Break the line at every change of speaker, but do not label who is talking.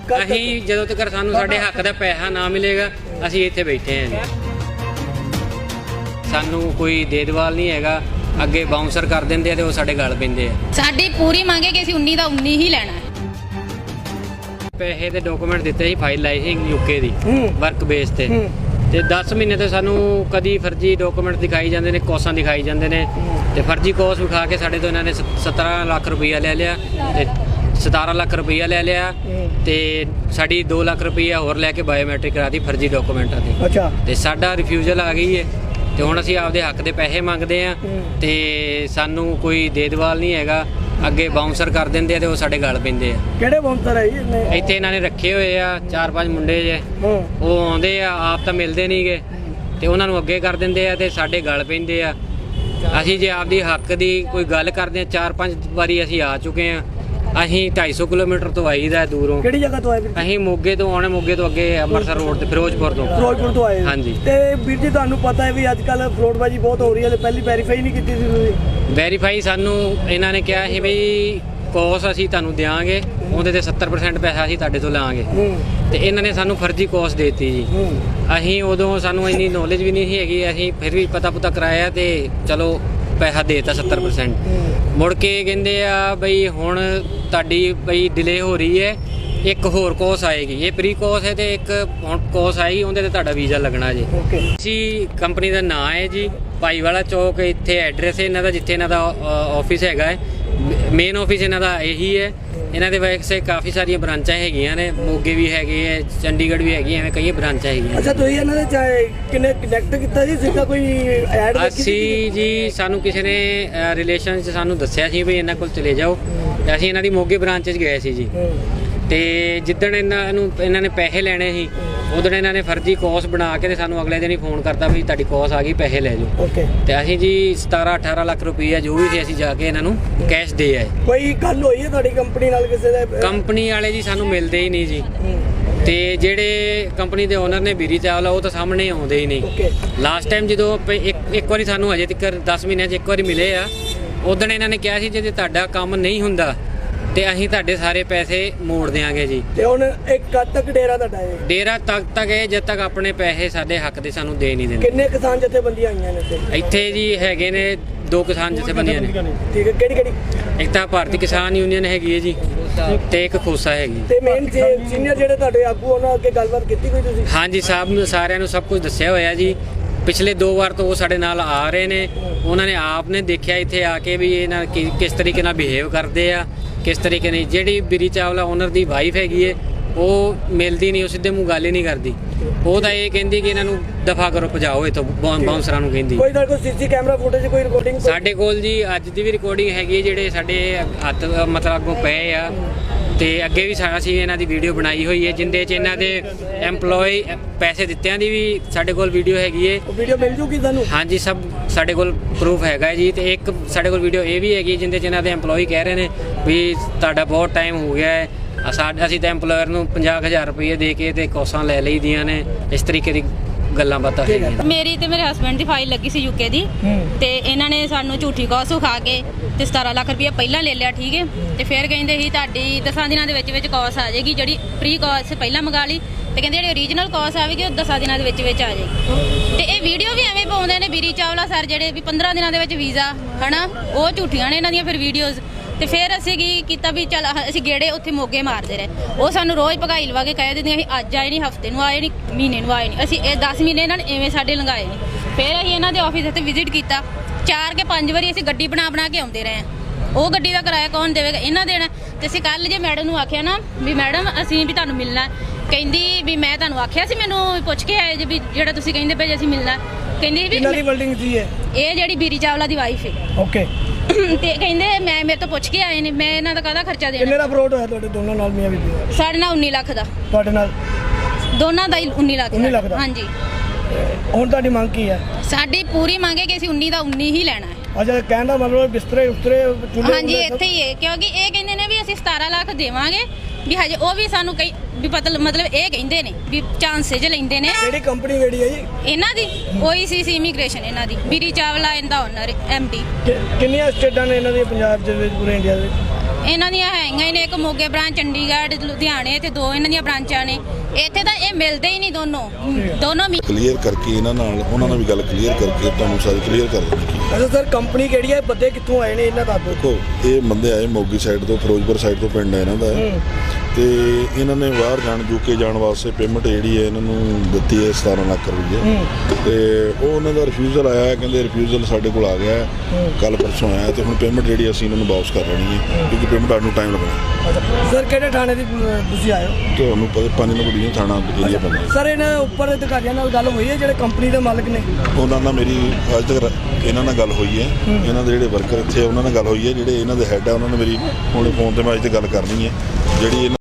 ਅਸੀਂ ਜਦੋਂ ਤੱਕ ਸਾਨੂੰ ਸਾਡੇ ਹੱਕ ਦਾ ਪੈਸਾ ਨਾ ਮਿਲੇਗਾ ਅਸੀਂ ਇੱਥੇ ਬੈਠੇ ਹਾਂ ਜੀ। ਸਾਨੂੰ ਕੋਈ ਦੇਦਵਾਲ ਨਹੀਂ ਹੈਗਾ, ਅੱਗੇ ਬਾਉਂਸਰ ਕਰ ਦਿੰਦੇ ਆ ਤੇ ਉਹ ਸਾਡੇ ਗਲ ਪੈਂਦੇ ਆ।
ਸਾਡੀ ਪੂਰੀ ਮੰਗ ਹੈ ਕਿ ਅਸੀਂ 19 ਦਾ 19 ਹੀ ਲੈਣਾ ਹੈ।
ਪੈਸੇ ਦੇ ਡਾਕੂਮੈਂਟ ਦਿੱਤੇ ਸੀ, ਫਾਈਲ ਲਾਈ ਸੀ ਯੂਕੇ ਦੀ ਵਰਕ ਬੇਸ ਤੇ 10 ਮਹੀਨੇ ਤੋਂ ਸਾਨੂੰ ਕਦੀ ਫਰਜ਼ੀ ਡਾਕੂਮੈਂਟ ਦਿਖਾਈ ਜਾਂਦੇ ਨੇ, ਕੋਸਾਂ ਦਿਖਾਈ ਜਾਂਦੇ ਨੇ ਤੇ ਫਰਜ਼ੀ ਕੋਸ ਵਿਖਾ ਕੇ ਸਾਡੇ ਤੋਂ ਇਹਨਾਂ ਨੇ 17 ਲੱਖ ਰੁਪਈਆ ਲੈ ਲਿਆ ਤੇ 17 ਲੱਖ ਰੁਪਈਆ ਲੈ ਲਿਆ ਤੇ ਸਾਡੀ 2 ਲੱਖ ਰੁਪਈਆ ਹੋਰ ਲੈ ਕੇ ਬਾਇਓਮੈਟ੍ਰਿਕ ਕਰਾਤੀ ਫਰਜ਼ੀ ਡਾਕੂਮੈਂਟਾਂ ਤੇ। ਅੱਛਾ। ਤੇ ਸਾਡਾ ਰਿਫਿਊਜ਼ਲ ਆ ਗਈ ਹੈ ਤੇ ਹੁਣ ਅਸੀਂ ਆਪਦੇ ਹੱਕ ਦੇ ਪੈਸੇ ਮੰਗਦੇ ਆ ਤੇ ਸਾਨੂੰ ਕੋਈ ਦੇਦਵਾਲ ਨਹੀਂ ਹੈਗਾ, ਅੱਗੇ ਬਾਉਂਸਰ ਕਰ ਦਿੰਦੇ ਆ ਤੇ ਉਹ ਸਾਡੇ ਗਲ ਪੈਂਦੇ ਆ।
ਕਿਹੜੇ ਬਾਉਂਸਰ ਹੈ ਜੀ?
ਇੱਥੇ ਇਹਨਾਂ ਨੇ ਰੱਖੇ ਹੋਏ ਆ 4-5 ਮੁੰਡੇ ਜੇ, ਉਹ ਆਉਂਦੇ ਆ ਆਪ ਤਾਂ ਮਿਲਦੇ ਨਹੀਂਗੇ ਤੇ ਉਹਨਾਂ ਨੂੰ ਅੱਗੇ ਕਰ ਦਿੰਦੇ ਆ ਤੇ ਸਾਡੇ ਗਲ ਪੈਂਦੇ ਆ। ਅਸੀਂ ਜੇ ਆਪਦੀ ਹੱਕ ਦੀ ਕੋਈ ਗੱਲ ਕਰਦੇ ਆ, 4-5 ਵਾਰੀ ਅਸੀਂ ਆ ਚੁੱਕੇ ਆ। ਅਸੀਂ 250 ਕਿਲੋਮੀਟਰ ਤੋਂ ਆਈਦਾ ਦੂਰੋਂ।
ਕਿਹੜੀ ਜਗ੍ਹਾ ਤੋਂ ਆਏ ਵੀਰ?
ਅਸੀਂ ਮੋਗੇ ਤੋਂ ਆਉਣੇ, ਮੋਗੇ ਤੋਂ ਅੱਗੇ ਅੰਮ੍ਰਿਤਸਰ ਰੋਡ ਤੇ ਫਿਰੋਜ਼ਪੁਰ
ਤੋਂ ਆਏ।
ਹਾਂਜੀ।
ਤੇ ਵੀਰ ਜੀ ਤੁਹਾਨੂੰ ਪਤਾ ਹੈ ਵੀ ਅੱਜ ਕੱਲ ਫਰੋਡਬਾਜੀ ਬਹੁਤ ਹੋ ਰਹੀ ਹੈ, ਪਹਿਲੀ ਵੈਰੀਫਾਈ ਨਹੀਂ ਕੀਤੀ ਸੀ ਤੁਸੀਂ?
ਵੈਰੀਫਾਈ ਸਾਨੂੰ ਇਹਨਾਂ ਨੇ ਕਿਹਾ ਸੀ ਬਈ ਕੋਸ ਅਸੀਂ ਤੁਹਾਨੂੰ ਦਿਆਂਗੇ, ਉਹਦੇ ਤੇ 70% ਪੈਸਾ ਅਸੀਂ ਤੁਹਾਡੇ ਤੋਂ ਲਾਂਗੇ ਤੇ ਇਹਨਾਂ ਨੇ ਸਾਨੂੰ ਫਰਜ਼ੀ ਕੋਸ ਦੇਤੀ ਜੀ। ਅਸੀਂ ਉਦੋਂ ਸਾਨੂੰ ਇੰਨੀ ਨੌਲੇਜ ਵੀ ਨਹੀਂ ਸੀ ਹੈਗੀ, ਅਸੀਂ ਫਿਰ ਵੀ ਪਤਾ ਕਰਾਇਆ ਤੇ ਚਲੋ ਪੈਸਾ ਦੇਤਾ 70%। ਮੁੜ ਕੇ ਕਹਿੰਦੇ ਆ ਬਈ ਹੁਣ ਤੁਹਾਡੀ ਬਈ ਡਿਲੇ ਹੋ ਰਹੀ ਹੈ, ਇੱਕ ਹੋਰ ਕੋਸ ਆਏਗੀ, ਇਹ ਪ੍ਰੀ ਕੋਸ ਹੈ ਤੇ ਇੱਕ ਹੁਣ ਕੋਸ ਆਏਗੀ, ਉਹਦੇ ਤੇ ਤੁਹਾਡਾ ਵੀਜ਼ਾ ਲੱਗਣਾ ਜੀ। ਅਸੀਂ ਕੰਪਨੀ ਦਾ ਨਾਂ ਹੈ ਜੀ ਭਾਈਵਾਲਾ ਚੌਕ, ਇੱਥੇ ਐਡਰੈਸ ਹੈ ਇਹਨਾਂ ਦਾ ਜਿੱਥੇ ਇਹਨਾਂ ਦਾ ਆਫਿਸ ਹੈਗਾ ਹੈ, ਮੇਨ ਆਫਿਸ ਇਹਨਾਂ ਦਾ ਇਹੀ ਹੈ। ਇਹਨਾਂ ਦੇ ਵੈਸੇ ਕਾਫੀ ਸਾਰੀਆਂ ਬ੍ਰਾਂਚਾਂ ਹੈਗੀਆਂ ਨੇ, ਮੋਗੇ ਵੀ ਹੈਗੇ ਹੈ, ਚੰਡੀਗੜ੍ਹ ਵੀ ਹੈਗੀ, ਐਵੇਂ ਕਈ ਬ੍ਰਾਂਚਾਂ ਹੈਗੀਆਂ।
ਅੱਛਾ, ਤੁਸੀਂ ਇਹਨਾਂ ਦੇ ਕਿੰਨੇ ਕਨੈਕਟ ਕੀਤਾ ਜੀ? ਸਿੱਧਾ ਕੋਈ ਐਡ
ਅਸੀਂ ਜੀ ਸਾਨੂੰ ਕਿਸੇ ਨੇ ਰਿਲੇਸ਼ਨ 'ਚ ਸਾਨੂੰ ਦੱਸਿਆ ਸੀ ਵੀ ਇਹਨਾਂ ਕੋਲ ਚਲੇ ਜਾਓ ਤੇ ਅਸੀਂ ਇਹਨਾਂ ਦੀ ਮੋਗੇ ਬ੍ਰਾਂਚ 'ਚ ਗਏ ਸੀ ਜੀ। ਤੇ ਜਿੱਦਣ ਇਹਨਾਂ ਨੇ ਪੈਸੇ ਲੈਣੇ ਸੀ ਉਦੋਂ ਇਹਨਾਂ ਨੇ ਫਰਜ਼ੀ ਕੋਸ ਬਣਾ ਕੇ ਤੇ ਸਾਨੂੰ ਅਗਲੇ ਦਿਨ ਹੀ ਫੋਨ ਕਰਤਾ ਵੀ ਤੁਹਾਡੀ ਕੋਸ ਆ ਗਈ, ਪੈਸੇ ਲੈ ਜਾਓ। ਤੇ ਅਸੀਂ ਜੀ 17-18 ਲੱਖ ਰੁਪਈਆ ਜੋ ਵੀ ਸੀ ਅਸੀਂ ਜਾ ਕੇ ਇਹਨਾਂ ਨੂੰ ਕੈਸ਼ ਦੇ ਆਏ।
ਕੋਈ ਗੱਲ ਹੋਈ ਹੈ ਤੁਹਾਡੀ ਕੰਪਨੀ ਨਾਲ ਕਿਸੇ ਦੇ?
ਕੰਪਨੀ ਵਾਲੇ ਜੀ ਸਾਨੂੰ ਮਿਲਦੇ ਹੀ ਨਹੀਂ ਜੀ ਤੇ ਜਿਹੜੇ ਕੰਪਨੀ ਦੇ ਓਨਰ ਨੇ ਬੀਰੀ ਚਾਵਲਾ ਉਹ ਤਾਂ ਸਾਹਮਣੇ ਆਉਂਦੇ ਹੀ ਨਹੀਂ। ਲਾਸਟ ਟਾਈਮ ਜਦੋਂ ਇੱਕ ਵਾਰੀ ਸਾਨੂੰ ਹਜੇ ਤੱਕ 10 ਮਹੀਨਿਆਂ 'ਚ ਇੱਕ ਵਾਰੀ ਮਿਲੇ ਆ, ਉਦੋਂ ਇਹਨਾਂ ਨੇ ਕਿਹਾ ਸੀ ਜੇ ਤੁਹਾਡਾ ਕੰਮ ਨਹੀਂ ਹੁੰਦਾ ਤੇ ਅਸੀਂ ਤੁਹਾਡੇ ਸਾਰੇ ਪੈਸੇ ਮੋੜ ਦਿਆਂਗੇ ਜੀ।
ਤੇ ਹੁਣ ਇੱਕ ਕਦ ਤੱਕ ਡੇਰਾ ਤੁਹਾਡਾ ਹੈ? ਡੇਰਾ
ਤੱਕ ਹੈ ਜਦ ਤੱਕ ਆਪਣੇ ਪੈਸੇ ਸਾਡੇ ਹੱਕ ਦੇ ਸਾਨੂੰ ਦੇ ਨਹੀਂ ਦਿੰਦੇ।
ਕਿੰਨੇ ਕਿਸਾਨ ਜਥੇਬੰਦੀਆਂ ਆਈਆਂ ਨੇ
ਇੱਥੇ ਜੀ? ਹੈਗੇ ਨੇ 2 ਕਿਸਾਨ ਜਥੇਬੰਦੀਆਂ ਨੇ।
ਠੀਕ ਹੈ, ਕਿਹੜੀ?
ਇੱਕ ਤਾਂ ਭਾਰਤੀ ਕਿਸਾਨ ਯੂਨੀਅਨ ਹੈਗੀ ਹੈ ਜੀ ਤੇ ਇੱਕ ਖੋਸਾ ਹੈਗੀ।
ਤੇ ਮੇਨ ਸੀਨੀਅਰ ਜਿਹੜੇ ਤੁਹਾਡੇ ਆਗੂ ਉਹਨਾਂ ਅੱਗੇ ਗੱਲਬਾਤ ਕੀਤੀ ਕੋਈ ਤੁਸੀਂ?
ਹਾਂਜੀ, ਸਾਰਿਆਂ ਨੂੰ ਸਭ ਕੁਝ ਦੱਸਿਆ ਹੋਇਆ ਜੀ। ਪਿਛਲੇ 2 ਵਾਰ ਤੋਂ ਉਹ ਸਾਡੇ ਨਾਲ ਆ ਰਹੇ ਨੇ, ਉਹਨਾਂ ਨੇ ਆਪ ਨੇ ਦੇਖਿਆ ਇੱਥੇ ਆ ਕੇ ਵੀ ਇਹਨਾਂ ਕਿਸ ਤਰੀਕੇ ਨਾਲ ਬਿਹੇਵ ਕਰਦੇ ਆ, ਕਿਸ ਤਰੀਕੇ ਨਹੀਂ। ਜਿਹੜੀ ਬੀਰੀ ਚਾਵਲਾ ਓਨਰ ਦੀ ਵਾਈਫ ਹੈਗੀ ਏ ਉਹ ਮਿਲਦੀ ਨਹੀਂ, ਉਹ ਸਿੱਧੇ ਮੂੰਹ ਗੱਲ ਹੀ ਨਹੀਂ ਕਰਦੀ। ਉਹ ਤਾਂ ਇਹ ਕਹਿੰਦੀ ਕਿ ਇਹਨਾਂ ਨੂੰ ਦਫਾ ਕਰੋ, ਭਜਾਓ ਇੱਥੋਂ, ਬਾਉਂਸਰਾਂ ਨੂੰ ਕਹਿੰਦੀ।
ਕੋਈ ਤੁਹਾਡੇ ਕੋਲ ਸੀਸੀ ਕੈਮਰਾ ਫੁਟੇਜ, ਕੋਈ ਰਿਕਾਰਡਿੰਗ?
ਸਾਡੇ ਕੋਲ ਜੀ ਅੱਜ ਦੀ ਵੀ ਰਿਕਾਰਡਿੰਗ ਹੈਗੀ ਹੈ, ਜਿਹੜੇ ਸਾਡੇ ਹੱਥ ਮਤਲਬ ਅੱਗੋਂ ਪਏ ਆ ਤੇ ਅੱਗੇ ਵੀ ਅਸੀਂ ਇਹਨਾਂ ਦੀ ਵੀਡੀਓ ਬਣਾਈ ਹੋਈ ਹੈ, ਜਿੰਦੇ 'ਚ ਇਹਨਾਂ ਦੇ ਐਮਪਲੋਈ ਪੈਸੇ ਦਿੱਤਿਆਂ ਦੀ ਵੀ ਸਾਡੇ ਕੋਲ ਵੀਡੀਓ ਹੈਗੀ ਹੈ।
ਉਹ ਵੀਡੀਓ ਮਿਲ ਜੂਗੀ ਤੁਹਾਨੂੰ? ਹਾਂਜੀ,
ਸਭ ਸਾਡੇ ਕੋਲ ਪ੍ਰੂਫ ਹੈਗਾ ਜੀ। ਤੇ ਇੱਕ ਸਾਡੇ ਕੋਲ ਵੀਡੀਓ ਇਹ ਵੀ ਹੈਗੀ ਜਿੰਦੇ 'ਚ ਇਹਨਾਂ ਦੇ ਐਮਪਲੋਈ ਕਹਿ ਰਹੇ ਨੇ ਵੀ ਤੁਹਾਡਾ ਬਹੁਤ ਟਾਈਮ ਹੋ ਗਿਆ ਹੈ, ਅਸੀਂ ਤਾਂ ਐਮਪਲੋਇਰ ਨੂੰ 50,000 ਰੁਪਏ ਦੇ ਕੇ ਤੇ ਕੋਸਾਂ ਲੈ ਲਈਆਂ ਨੇ। ਇਸ ਤਰੀਕੇ ਦੀ ਗੱਲਾਂ ਬਾਤਾਂ ਹੈਗੀਆਂ।
ਮੇਰੀ ਤੇ ਮੇਰੇ ਹਸਬੈਂਡ ਦੀ ਫਾਈਲ ਲੱਗੀ ਸੀ ਯੂਕੇ ਦੀ ਤੇ ਇਹਨਾਂ ਨੇ ਸਾਨੂੰ ਝੂਠੀ ਕੋਸ ਵਿਖਾ ਕੇ ਤੇ 17 ਲੱਖ ਰੁਪਏ ਪਹਿਲਾਂ ਲੈ ਲਿਆ। ਠੀਕ ਹੈ, ਤੇ ਫਿਰ ਕਹਿੰਦੇ ਸੀ ਤੁਹਾਡੀ 10 ਦਿਨਾਂ ਦੇ ਵਿੱਚ ਕੋਸ ਆ ਜਾਏਗੀ, ਜਿਹੜੀ ਪ੍ਰੀ ਕੋਸ ਪਹਿਲਾਂ ਮੰਗਾ ਲਈ ਤੇ ਕਹਿੰਦੇ ਜਿਹੜੀ ਓਰੀਜਨਲ ਕੋਸ ਆਵੇਗੀ ਉਹ 10 ਦਿਨਾਂ ਦੇ ਵਿੱਚ ਆ ਜਾਏਗੀ। ਤੇ ਇਹ ਵੀਡੀਓ ਵੀ ਐਵੇਂ ਪਾਉਂਦੇ ਨੇ ਬੀਰੀ ਚਾਵਲਾ ਸਰ ਜਿਹੜੇ ਵੀ 15 ਦਿਨਾਂ ਦੇ ਵਿੱਚ ਵੀਜ਼ਾ ਹਨਾ, ਉਹ ਝੂਠੀਆਂ ਨੇ ਇਹਨਾਂ ਦੀਆਂ ਫਿਰ ਵੀਡੀਓਜ਼। ਤੇ ਫਿਰ ਅਸੀਂ ਕੀ ਕੀਤਾ ਵੀ ਚੱਲ ਅਸੀਂ ਗੇੜੇ ਉੱਥੇ ਮੋਗੇ ਮਾਰਦੇ ਰਹੇ। ਉਹ ਸਾਨੂੰ ਰੋਜ਼ ਭਗਾਈ ਲਵਾ ਕੇ ਕਹਿ ਦਿੰਦੀਆਂ ਅਸੀਂ ਅੱਜ ਆਏ ਨਹੀਂ, ਹਫਤੇ ਨੂੰ ਆਏ ਨਹੀਂ, ਮਹੀਨੇ ਨੂੰ ਆਏ ਨਹੀਂ। ਅਸੀਂ ਇਹ 10 ਮਹੀਨੇ ਇਹਨਾਂ ਨੇ ਐਵੇਂ ਸਾਡੇ ਲੰਘਾਏ ਨੇ। ਫਿਰ ਅਸੀਂ ਇਹਨਾਂ ਦੇ ਆਫਿਸ ਉੱਤੇ ਵਿਜ਼ਿਟ ਕੀਤਾ 4 ਕੇ 5 ਵਾਰੀ। ਅਸੀਂ ਗੱਡੀ ਬਣਾ ਕੇ ਆਉਂਦੇ ਰਹੇ ਹਾਂ। ਉਹ ਗੱਡੀ ਦਾ ਕਿਰਾਇਆ ਕੌਣ ਦੇਵੇਗਾ? ਇਹਨਾਂ ਦੇਣਾ। ਤੇ ਅਸੀਂ ਕੱਲ ਜੇ ਮੈਡਮ ਨੂੰ ਆਖਿਆ ਨਾ ਵੀ ਮੈਡਮ ਅਸੀਂ ਵੀ ਤੁਹਾਨੂੰ ਮਿਲਣਾ, ਕਹਿੰਦੀ ਵੀ ਮੈਂ ਤੁਹਾਨੂੰ ਆਖਿਆ ਸੀ, ਮੈਨੂੰ ਪੁੱਛ ਕੇ ਆਏ ਜੇ ਵੀ ਜਿਹੜਾ ਤੁਸੀਂ ਕਹਿੰਦੇ ਪਏ ਅਸੀਂ ਮਿਲਣਾ। ਕਹਿੰਦੀ ਵੀ
ਬਿਲਡਿੰਗ ਸੀ
ਇਹ ਜਿਹੜੀ ਬੀਰੀ ਚਾਵਲਾ ਦੀ ਵਾਈਫ ਹੈ।
ਓਕੇ।
ਤੇ ਕਹਿੰਦੇ ਮੈਂ ਮੇਰੇ ਤੋਂ ਪੁੱਛ ਕੇ ਆਏ ਨੇ, ਮੈਂ ਇਹਨਾਂ ਦਾ ਕਾਹਦਾ ਖਰਚਾ ਦੇਣਾ?
ਕਿੰਨੇ ਦਾ ਫਰੋਡ ਹੋਇਆ ਤੁਹਾਡੇ ਦੋਨਾਂ ਨਾਲ? ਮੀਆਂ ਬੀਬੀ
ਸਾਡੇ ਨਾਲ 19 ਲੱਖ ਦਾ।
ਤੁਹਾਡੇ ਨਾਲ
ਦੋਨਾਂ ਦਾ ਹੀ 19 ਲੱਖ ਦਾ। ਹਾਂਜੀ।
ਹੁਣ ਤੁਹਾਡੀ ਮੰਗ ਕੀ ਹੈ?
ਸਾਡੀ ਪੂਰੀ ਮੰਗ ਹੈ ਕਿ ਅਸੀਂ 19 ਦਾ 19 ਹੀ ਲੈਣਾ ਹੈ।
ਅੱਛਾ, ਕਹਿਣ ਦਾ ਮਤਲਬ ਬਿਸਤਰੇ ਉਸਤਰੇ ਚੁੱਲ੍ਹੇ?
ਹਾਂਜੀ, ਇੱਥੇ ਹੀ ਹੈ, ਕਿਉਂਕਿ ਇਹ ਕਹਿੰਦੇ ਨੇ ਵੀ ਅਸੀਂ 17 ਲੱਖ ਦੇਵਾਂਗੇ ਵੀ ਹਜੇ ਉਹ ਵੀ ਸਾਨੂੰ ਕਈ ਵੀ ਮਤਲਬ ਇਹ ਕਹਿੰਦੇ ਨੇ ਵੀ ਚਾਂਸੇਜ ਲੈਂਦੇ ਨੇ।
ਕਿਹੜੀ ਕੰਪਨੀ ਕਿਹੜੀ ਹੈ ਜੀ
ਇਹਨਾਂ ਦੀ? OECC ਇਮੀਗ੍ਰੇਸ਼ਨ ਇਹਨਾਂ ਦੀ। ਬੀਰੀ ਚਾਵਲਾ ਇਹਦਾ ਓਨਰ MD।
ਕਿੰਨੀਆਂ ਸਟੇਟਾਂ ਨੇ ਇਹਨਾਂ ਦੀ ਪੰਜਾਬ ਦੇ ਵਿੱਚ, ਪੂਰੇ ਇੰਡੀਆ ਦੇ ਵਿੱਚ?
ਇਹਨਾਂ ਦੀਆਂ ਹੈਗੀਆਂ ਹੀ ਨੇ, ਇੱਕ ਮੋਗੇ ਬ੍ਰਾਂਚ, ਚੰਡੀਗੜ੍ਹ, ਲੁਧਿਆਣੇ ਤੇ 2 ਇਹਨਾਂ ਦੀਆਂ ਬ੍ਰਾਂਚਾਂ ਨੇ। ਇੱਥੇ ਤਾਂ ਇਹ ਮਿਲਦੇ ਹੀ ਨਹੀਂ ਦੋਨੋਂ
ਕਲੀਅਰ ਕਰਕੇ ਇਹਨਾਂ ਨਾਲ ਉਹਨਾਂ ਨਾਲ ਵੀ ਗੱਲ ਕਲੀਅਰ ਕਰਕੇ ਤੁਹਾਨੂੰ ਸਾਰੀ ਕਲੀਅਰ ਕਰ ਦੇਣੀ।
ਅੱਛਾ ਸਰ, ਕੰਪਨੀ ਕਿਹੜੀ ਹੈ, ਬੰਦੇ ਕਿੱਥੋਂ ਆਏ ਨੇ ਇਹਨਾਂ ਦਾ?
ਦੇਖੋ ਇਹ ਬੰਦੇ ਆਏ ਮੋਗੀ ਸਾਈਡ ਤੋਂ, ਫਿਰੋਜ਼ਪੁਰ ਸਾਈਡ ਤੋਂ ਪਿੰਡ ਹੈ ਇਹਨਾਂ ਦਾ, ਤੇ ਇਹਨਾਂ ਨੇ ਬਾਹਰ ਜਾਣ ਯੂਕੇ ਜਾਣ ਵਾਸਤੇ ਪੇਮੈਂਟ ਜਿਹੜੀ ਹੈ ਇਹਨਾਂ ਨੂੰ ਦਿੱਤੀ ਹੈ 17 ਲੱਖ ਰੁਪਏ, ਤੇ ਉਹ ਉਹਨਾਂ ਦਾ ਰਿਫਿਊਜ਼ਲ ਆਇਆ, ਕਹਿੰਦੇ ਰਿਫਿਊਜ਼ਲ ਸਾਡੇ ਕੋਲ ਆ ਗਿਆ ਕੱਲ ਪਰਸੋਂ ਆਇਆ, ਤੇ ਹੁਣ ਪੇਮੈਂਟ ਜਿਹੜੀ ਅਸੀਂ ਇਹਨਾਂ ਨੂੰ ਵਾਪਸ ਕਰ ਲੈਣੀ ਹੈ ਕਿਉਂਕਿ ਪੇਮੈਂਟ ਆਉਣ ਨੂੰ ਟਾਈਮ ਲੱਗਣਾ।
ਸਰ ਕਿਹੜੇ ਥਾਣੇ ਦੀ ਤੁਸੀਂ ਆਏ ਹੋ?
ਤੁਹਾਨੂੰ ਪਤਾ 5 ਨੰਬਰ ਥਾਣਾ ਏਰੀਆ ਪੈਂਦਾ।
ਸਰ ਇਹਨਾਂ ਉੱਪਰ ਅਧਿਕਾਰੀਆਂ ਨਾਲ ਗੱਲ ਹੋਈ ਹੈ ਜਿਹੜੇ ਕੰਪਨੀ ਦੇ ਮਾਲਕ ਨੇ? ਉਹਨਾਂ
ਨਾਲ ਮੇਰੀ ਅੱਜ ਤੱਕ ਇਹਨਾਂ ਨਾਲ ਗੱਲ ਹੋਈ ਹੈ, ਇਹਨਾਂ ਦੇ ਜਿਹੜੇ ਵਰਕਰ ਇੱਥੇ ਉਹਨਾਂ ਨਾਲ ਗੱਲ ਹੋਈ ਹੈ, ਜਿਹੜੇ ਇਹਨਾਂ ਦੇ ਹੈੱਡ ਆ ਉਹਨਾਂ ਨੇ ਮੇਰੀ ਹੁਣ ਫੋਨ ਤੇ ਮੈਂ ਅੱਜ ਤੇ ਗੱਲ ਕਰਨੀ ਹੈ ਜਿਹੜੀ